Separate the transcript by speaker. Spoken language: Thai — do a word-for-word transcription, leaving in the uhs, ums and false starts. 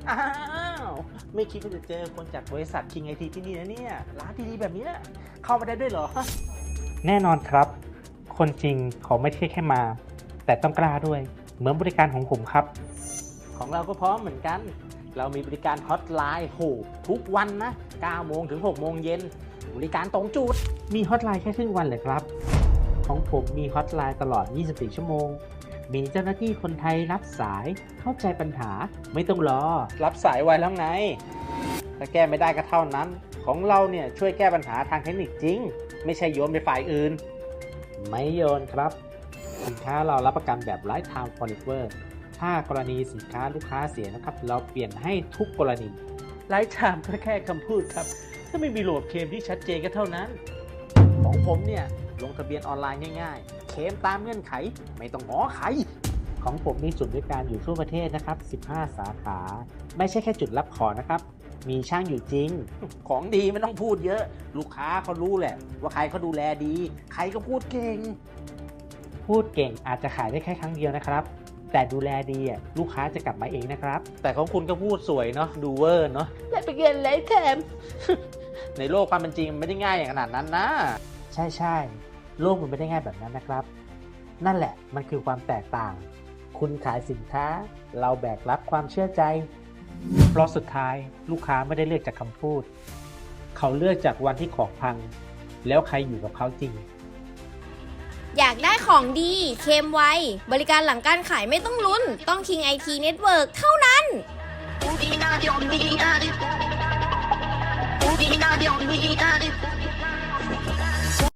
Speaker 1: อ้าวไม่คิดว่าจะเจอคนจากบริษัท King ไอ ที ที่นี่นะเนี่ยร้านดีๆแบบนี้เข้ามาได้ด้วยเหรอ
Speaker 2: แน่นอนครับคนจริงเขาไม่ใช่แค่มา แต่ต้องกล้าด้วยเหมือนบริการของผมครับ
Speaker 1: ของเราก็พร้อมเหมือนกันเรามีบริการฮอตไลน์โหทุกวันนะเก้าโมงถึงหกโมงเย็นบริการตรงจุด
Speaker 2: มีฮอตไลน์แค่ครึ่งวันเลยครับของผมมีฮอตไลน์ตลอดยี่สิบสี่ชั่วโมงมีเจ้าหน้าที่คนไทยรับสายเข้าใจปัญหาไม่ต้องรอ
Speaker 1: รับสายไวแล้วไงถ้าแก้ไม่ได้ก็เท่านั้นของเราเนี่ยช่วยแก้ปัญหาทางเทคนิคจริงไม่ใช่โยนไปฝ่ายอื่น
Speaker 2: ไม่โยนครับสินค้าเรารับประกันแบบ Lifetime Forever ถ้ากรณีสินค้าลูกค้าเสียนะครับเราเปลี่ยนให้ทุกกรณี
Speaker 1: ไลฟ์ไทม์ก็แค่คำพูดครับถ้าไม่มีโหลดเคลมที่ชัดเจนก็เท่านั้นของผมเนี่ยลงทะเบียนออนไลน์ง่ายๆเคลมตามเงื่อนไขไม่ต้องง้อใคร
Speaker 2: ของผมมีศูนย์บริการอยู่ทั่วประเทศนะครับสิบห้าสาขาไม่ใช่แค่จุดรับของนะครับมีช่างอยู่จริง
Speaker 1: ของดีไม่ต้องพูดเยอะลูกค้าเขารู้แหละว่าใครเขาดูแลดีใครก็พูดเก่ง
Speaker 2: พูดเก่งอาจจะขายได้แค่ครั้งเดียวนะครับแต่ดูแลดีลูกค้าจะกลับมาเองนะครับ
Speaker 1: แต่ของคุณก็พูดสวยเนาะดูเวอร์เนาะและเป็นเงินไลฟ์ไทม์ในโลกความเป็นจริงไม่ได้ง่ายอย่างขนาดนั้นนะ
Speaker 2: ใช่ใช่โลกมันไม่ได้ง่ายแบบนั้นนะครับนั่นแหละมันคือความแตกต่างคุณขายสินค้าเราแบกรับความเชื่อใจเพราะสุดท้ายลูกค้าไม่ได้เลือกจากคำพูดเขาเลือกจากวันที่ของพังแล้วใครอยู่กับเขาจริง
Speaker 3: อยากได้ของดีเคลมไวบริการหลังการขายไม่ต้องลุ้นต้อง King ไอ ที Network เท่านั้น